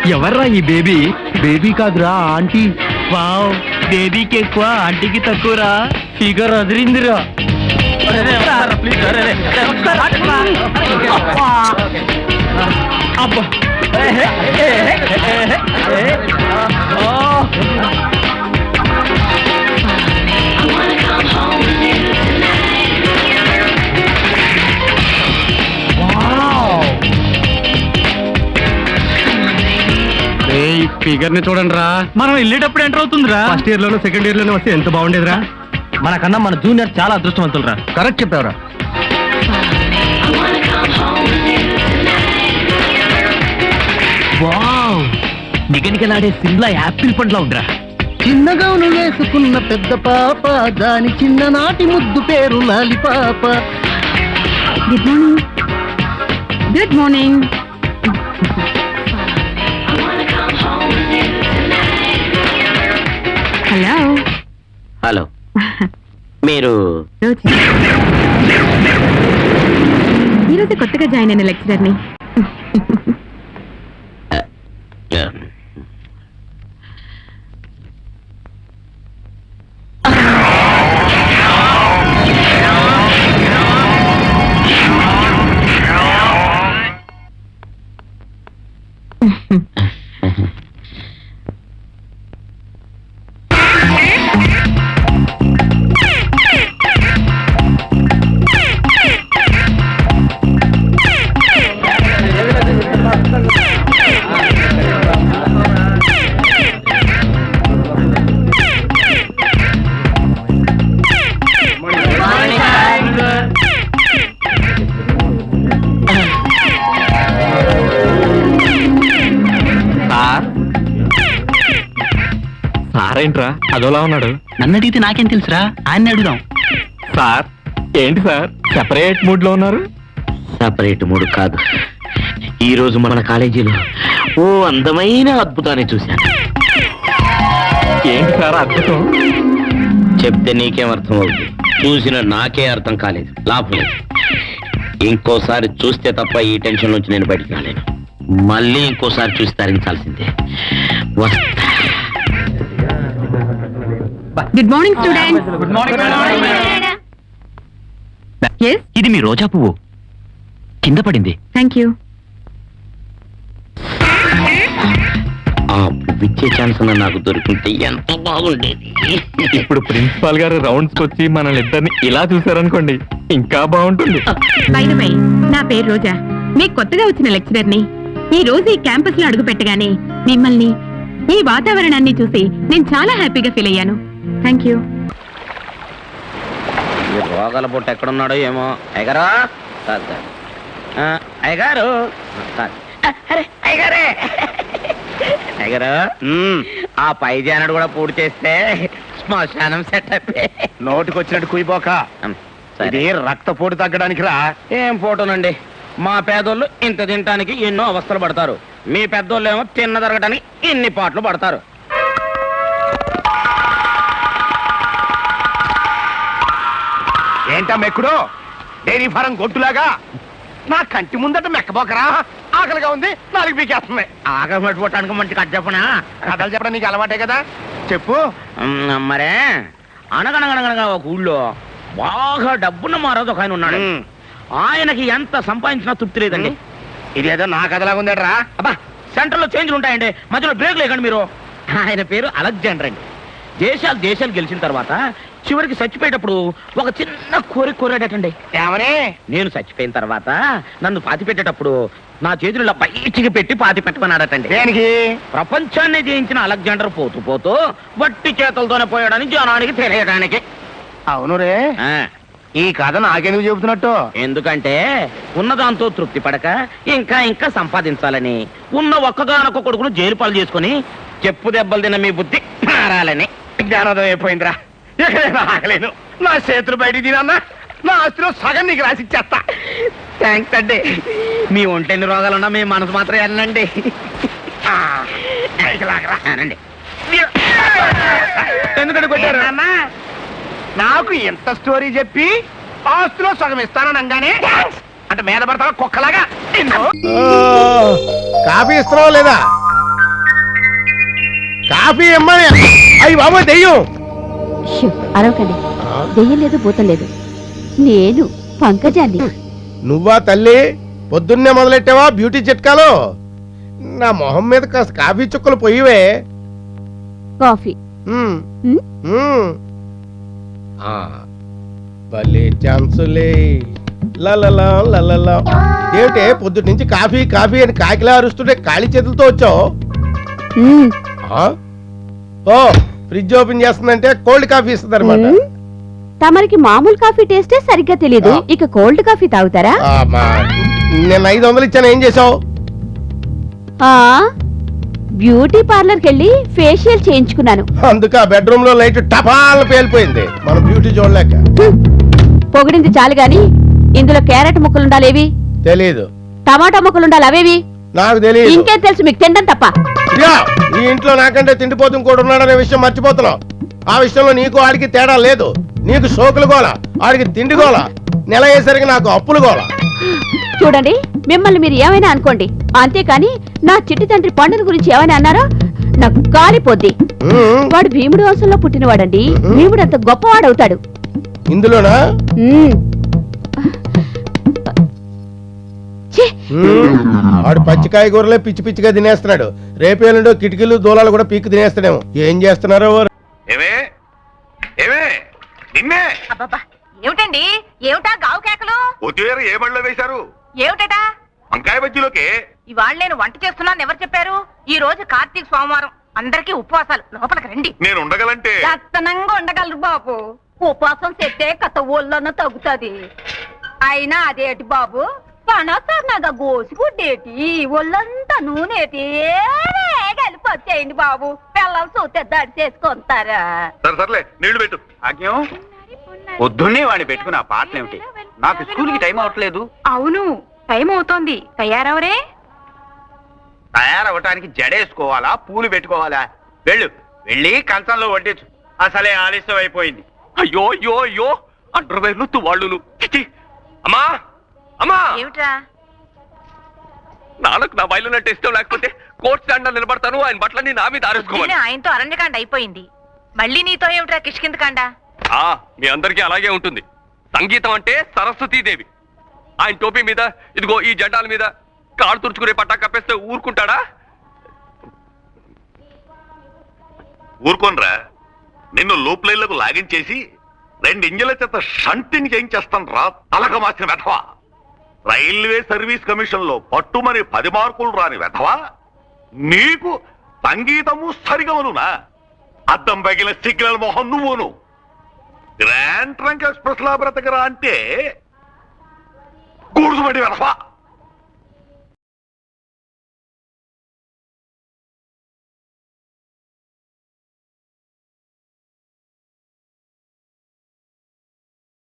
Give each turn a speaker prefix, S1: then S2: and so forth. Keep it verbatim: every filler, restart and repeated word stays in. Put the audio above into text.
S1: ఎవర్రా ఈ baby? Baby కాదురా ఆంటీ. వావ్, బేబీకి ఎక్కువ ఆంటీకి తక్కువరా. ఫిగర్ అదిరిందిరా. అబ్బా ఫిగర్ ని చూడండి రా. మనం వెళ్ళేటప్పుడు ఎంటర్ అవుతుందిరా. ఫస్ట్ ఇయర్ లోనూ సెకండ్ ఇయర్ లోనూ వస్తే ఎంత బాగుండేదిరా. మనకన్నా మన జూనియర్ చాలా అదృష్టవంతులరా. కరెక్ట్ చెప్పావురా. వావ్, నిగనిగలాడే సిమ్లా యాపిల్ పండ్లా ఉండరా.
S2: చిన్నగాను వేసుకున్న పెద్ద పాప, దాని చిన్ననాటి ముద్దు పేరు లాలిపాప.
S3: Good morning. Good morning. Hello
S2: hello, మీరు
S3: ఈరోజు కొత్తగా జాయిన్ అయిన లెక్చరర్ని.
S1: సారేంట్రా అదోలా ఉన్నాడు?
S2: నన్ను అడిగితే నాకేం తెలుసురా, ఆయన్ని అడుగుదాం.
S1: సార్ ఏంటి సార్ సెపరేట్ మూడ్ లో ఉన్నారు?
S2: సపరేట్ మూడు కాదు, ఈ రోజు మన కాలేజీలో ఓ అందమైన అద్భుతాన్ని చూశాను.
S1: ఏంటి సార్ అద్భుతం?
S2: చెప్తే నీకేం అర్థం అవుతుంది, చూసిన నాకే అర్థం కాలేదు. లాభం లేదు, ఇంకోసారి చూస్తే తప్ప ఈ టెన్షన్ నుంచి నేను బయటికి రాలేను. మళ్ళీ ఇంకోసారి చూసి తరించాల్సిందే. వస్తా.
S3: Good morning student.
S1: Good morning.
S3: yes
S2: ఇది మీ రోజా పువ్వు, కింద పడింది.
S3: Thank you.
S2: ఆ పువ్విచ్చే ఛాన్స్ నాకు దొరికింటే ఎంత బాగుండేది.
S1: ఇప్పుడు ప్రిన్సిపాల్ గారు రౌండ్స్ వచ్చి మనల్ని ఇద్దరిని ఇలా చూసారనుకోండి, ఇంకా బాగుంటుంది.
S3: బై ద వే, నా పేరు రోజా, మీకు కొత్తగా వచ్చిన లెక్చరర్ని. ఈ రోజు ఈ క్యాంపస్ లో అడుగు పెట్టగానే మిమ్మల్ని, ఈ వాతావరణాన్ని చూసి నేను చాలా హ్యాపీగా ఫీల్ అయ్యాను. Thank you.
S2: రోగాల పొట్టు ఎక్కడున్నాడో ఏమో. అయ్యగారా అయ్యగారు అయ్యగారే అయ్యగారు, ఆ పై జానడు కూడా పూర్తి చేస్తే శ్మశానం సెట్ అయిపోయి.
S4: నోటికి వచ్చినట్టు కుయిపోక, ఇది రక్తపోటు తగ్గడానికి రా.
S2: ఏం ఫోటోనండి, మా పేదోళ్ళు ఇంత తినటానికి ఎన్నో అవస్థలు పడతారు, మీ పెద్దోళ్ళు ఏమో తిన్న తరగటానికి ఇన్ని పాటలు పడతారు.
S4: ఏంటా మెక్కుడు, డైరీ ఫారం గొట్టులాగా నా కంటి ముందట మెక్కబోకరా. ఆకలిగా ఉంది, నాలుగు పీకేస్తుంది.
S2: ఆకలి పట్టుకోవటానికి మంచి కథ చెప్పనా?
S4: కథలు చెప్పడం నీకు అలవాటే కదా, చెప్పు.
S2: మరే, అనగనగనగనగా ఒక ఊళ్ళో బాగా డబ్బున్న మారాదు ఒక ఆయన ఉన్నాడు. ఆయనకి ఎంత సంపాదించినా తృప్తి లేదండి.
S4: ఇదేదో నా కథలాగా ఉందట్రా.
S2: అబ్బా, సెంటర్ లో చేంజ్లు ఉంటాయండి, మధ్యలో బ్రేక్ లేకండి మీరు. ఆయన పేరు అలెగ్జాండర్ అండి. దేశాలు దేశాలు గెలిచిన తర్వాత చివరికి చచ్చిపోయేటప్పుడు ఒక చిన్న కోరిక కోరాడటండి.
S4: ఏమని?
S2: నేను చచ్చిపోయిన తర్వాత నన్ను పాతి పెట్టేటప్పుడు నా చేతులు ఇలా బయటికి పెట్టి పాతి పెట్టమన్నాడటండి.
S4: దేనికి?
S2: ప్రపంచాన్ని జయించిన అలెగ్జాండర్ పోతూ పోతూ వట్టి చేతులతోనే పోయాడని జనానికి తెలియడానికి.
S4: అవును రే, ఈ కథ నాకెందుకు చెబుతున్నట్టు?
S2: ఎందుకంటే ఉన్నదాంతో తృప్తి పడక ఇంకా ఇంకా సంపాదించాలని, ఉన్న ఒక్కగానొక్క కొడుకును జైలు పాలు చేసుకుని చెప్పు దెబ్బలు తిన్న మీ బుద్ధి మారాలని.
S4: జ్ఞానోదయం అయిపోయిందిరా. ఎక్కడైనా ఆగలేను, నా చేతులు బయటికి తినన్నా నా ఆస్తిలో సగం నీకు రాసిచ్చేస్తా.
S2: థ్యాంక్స్ అండి. మీ ఒంటెన్ని రోగాలున్నా మీ మనసు మాత్రం వెళ్ళండి. అనండి.
S4: ఎందుకంటే కొట్టారు అన్నా? నాకు ఎంత స్టోరీ చెప్పి ఆస్తిలో సగం ఇస్తాననగానే అంటే మీద పడతావా కుక్కలాగా? కాఫీ ఇస్తున్నావా లేదా? కాఫీ ఇమ్మని. అయ్యి బాబు దెయ్యం.
S5: షూ, అరవకండి. దెయ్యం లేదు, భూతం లేదు. నేను పంకజాన్ని.
S4: నువ్వా తల్లి? పొద్దున్నే మొదలెట్టావా బ్యూటీ చిట్కాలు? నా మొహం మీద కాస్త కాఫీ చుక్కలు పోయివే.
S5: కాఫీ.
S4: ఉమ్,
S5: ఉమ్,
S4: ఉమ్. ఆ, భలే ఛాన్సులే. లలలా, లలలా. ఏమిటే పొద్దుటి నుంచి కాఫీ కాఫీ అని కాకిలా అరుస్తుంటే ఖాళీ చేతులతో వచ్చావు?
S5: ఉమ్,
S4: ఆ? ఓ, ఫ్రిడ్జ్ ఓపెన్ చేస్తుందంటే కోల్డ్ కాఫీ ఇస్తుంది అనమాట.
S5: ఉమ్. తమరికి మామూలు కాఫీ టేస్టే సరిగ్గా తెలీదు,
S4: ఆ.
S5: ఇక కోల్డ్ కాఫీ తాగుతారా?
S4: నేను ఐదు వందలు ఇచ్చాను, ఏం చేసావు?
S5: ఆ బ్యూటీ పార్లర్ కెళ్ళి ఫేషియల్ చేయించుకున్నాను.
S4: అందుకే ఆ బెడ్రూమ్ లో లైట్ టపాల్ పేలిపోయింది. మన బ్యూటీ చూడలేక.
S5: హ్మ్. పొగిడింది చాలు గాని ఇందులో క్యారెట్ ముక్కలుండాలేవి,
S4: తెలీదు.
S5: టమాటా ముక్కలుండాలి అవేవి.
S4: నాకు తెలియదు.
S5: ఇంకేం తెలుసు మీకు, తినడం తప్ప.
S4: యా, ఈ ఇంట్లో నాకంటే తిండిపోతు కూడా ఉన్నాడనే విషయం మర్చిపోతున్నావు. ఆ విషయంలో నీకు ఆడికి తేడా లేదు. నీకు సోకులు గోల, ఆడికి తిండి గోల, నెల అయ్యేసరికి నాకు అప్పులు గోల.
S5: చూడండి, మిమ్మల్ని మీరు ఏమైనా అనుకోండి, అంతేకాని నా చిట్టి తండ్రి పండుని గురించి ఏమైనా అన్నారో నాకు కాలిపోద్ది.
S4: ఉమ్,
S5: వాడు భీముడు వంశంలో పుట్టినవాడండి. భీముడు అంత గొప్పవాడవుతాడు.
S4: ఇందులోనా?
S5: ఉమ్. ఛీ!
S4: ఉమ్, ఆడు పచ్చికాయ కూరలే పిచ్చి పిచ్చిగా తినేస్తున్నాడు. రేపేళ్ళుండో కిటికీలు దూలాలు కూడా పీక్కు తినేస్తాడేమో. ఏం చేస్తున్నారో వారు.
S6: ఏమే ఏమే నిన్నే
S3: అబ్బబ్బా, ఏమిటండి? ఏమిటా గావు కేకలు?
S6: కొత్తిమీర ఏ బడిలో వేశారు?
S3: ఏమిటటా?
S6: వంకాయ బజ్జీలోకి.
S3: ఇవాళ నేను వంట చేస్తున్నాను ఎవరు చెప్పారు? ఈ రోజు కార్తీక సోమవారం, అందరికీ ఉపవాసాలు. లోపలికి రండి.
S6: నేను ఉండగలంటే
S3: దత్తనంగా ఉండగలరు బాబు. ఉపవాసం చెప్తే కథ ఒళ్ళన్న తగ్గుతుంది. అయినా అదేటి బాబు, పనసన్నగా గోసిగుడ్డేటి, ఒళ్ళంతా నూనెటి కలిపి వచ్చేయండి బాబు. పిల్లలు చూస్తే దడి చేసుకుంటారా?
S6: సరే సర్లే నీళ్లు పెట్టు.
S7: ఆజ్ఞం పొద్దున్నే వాడిని పెట్టుకుని ఆ పాటలు ఏమిటి? నాకు స్కూల్ కి టైం అవట్లేదు.
S3: అవును, టైం అవుతోంది. తయారవరే?
S7: తయారవటానికి జడేసుకోవాలా, పూలు పెట్టుకోవాలా? వెళ్ళు, వెళ్ళి కంచంలో వడ్డించు. అసలే ఆలస్యం అయిపోయింది.
S6: అయ్యో అయ్యో అయ్యో అండర్వేర్లు తువాళ్ళును. చిచి. అమ్మా అమ్మా,
S3: ఏమిట్రా?
S6: నాన్నకు నా బయలు అంటే ఇష్టం లేకపోతే కోర్ట్ స్టాండ్ లో నిలబడతాను. ఆయన బట్టలన్నీ నా మీద ఆరేసుకోవాలి.
S3: నిన్న ఆయనతో అరణ్యకాండ అయిపోయింది, మళ్ళీ నీతో ఏమిట్రా కిష్కిందకాండ?
S6: ఆ, మీ అందరికీ అలాగే ఉంటుంది. సంగీతం అంటే సరస్వతీదేవి. ఆయన టోపీ మీద ఇదిగో ఈ జెండాల మీద కాడు తుడుచుకునే పట్టా కప్పేస్తే ఊరుకుంటాడా? ఊరుకోనరా. నిన్ను లూప్ లైన్లకు లాగించేసి రెండు ఇంజల చేత షంటింగ్ చేయించేస్తాను రా తలక మార్చిన వెధవా. రైల్వే సర్వీస్ కమిషన్ లో పట్టుమని పది మార్కులు రాని వెధవా. నీకు సంగీతము సరిగమనునా? అద్దం పగిలిన సిగ్నల్ మొహం నువ్వును. గ్రాండ్ ట్రంక్ ఎక్స్ప్రెస్ లా బ్రతకరా అంటే గూడుసుబడి వెధవా.